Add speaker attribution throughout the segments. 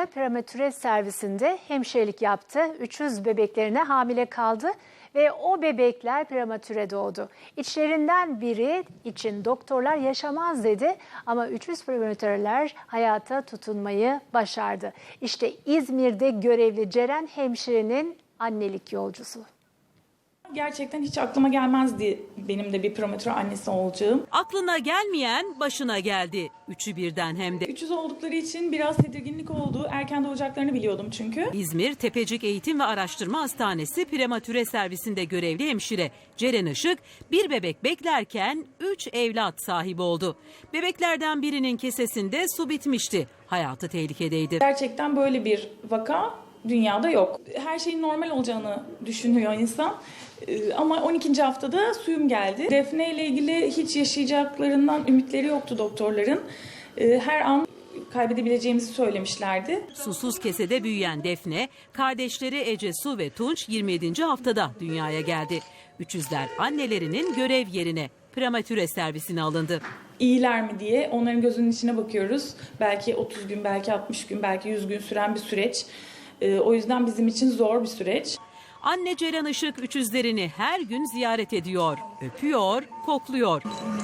Speaker 1: prematüre servisinde hemşirelik yaptı. 300 bebeklerine hamile kaldı ve o bebekler prematüre doğdu. İçlerinden biri için doktorlar yaşamaz dedi ama 300 prematüreler hayata tutunmayı başardı. İşte İzmir'de görevli Ceren hemşirenin annelik yolcusu.
Speaker 2: Gerçekten hiç aklıma gelmezdi benim de bir prematüre annesi olacağım.
Speaker 3: Aklına gelmeyen başına geldi. Üçü birden hem de.
Speaker 2: 300 oldukları için biraz tedirginlik oldu. Erken doğacaklarını biliyordum çünkü.
Speaker 3: İzmir Tepecik Eğitim ve Araştırma Hastanesi prematüre servisinde görevli hemşire Ceren Işık bir bebek beklerken 3 evlat sahibi oldu. Bebeklerden birinin kesesinde su bitmişti. Hayatı tehlikedeydi.
Speaker 2: Gerçekten böyle bir vaka dünyada yok. Her şeyin normal olacağını düşünüyor insan. Ama 12. haftada suyum geldi. Defne ile ilgili hiç yaşayacaklarından ümitleri yoktu doktorların. Her an kaybedebileceğimizi söylemişlerdi.
Speaker 3: Susuz kesede büyüyen Defne, kardeşleri Ece Su ve Tunç 27. haftada dünyaya geldi. 300'ler annelerinin görev yerine prematüre servisine alındı.
Speaker 2: İyiler mi diye onların gözünün içine bakıyoruz. Belki 30 gün, belki 60 gün, belki 100 gün süren bir süreç. O yüzden bizim için zor bir süreç.
Speaker 3: Anne Ceren Işık 300'lerini her gün ziyaret ediyor, öpüyor, kokluyor.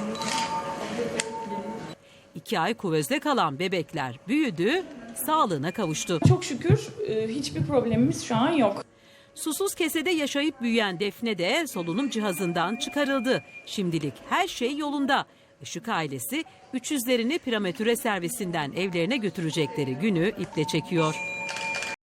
Speaker 3: 2 ay kuvözde kalan bebekler büyüdü, sağlığına kavuştu.
Speaker 2: Çok şükür hiçbir problemimiz şu an yok.
Speaker 3: Susuz kesede yaşayıp büyüyen Defne de solunum cihazından çıkarıldı. Şimdilik her şey yolunda. Işık ailesi 300'lerini prematüre servisinden evlerine götürecekleri günü iple çekiyor.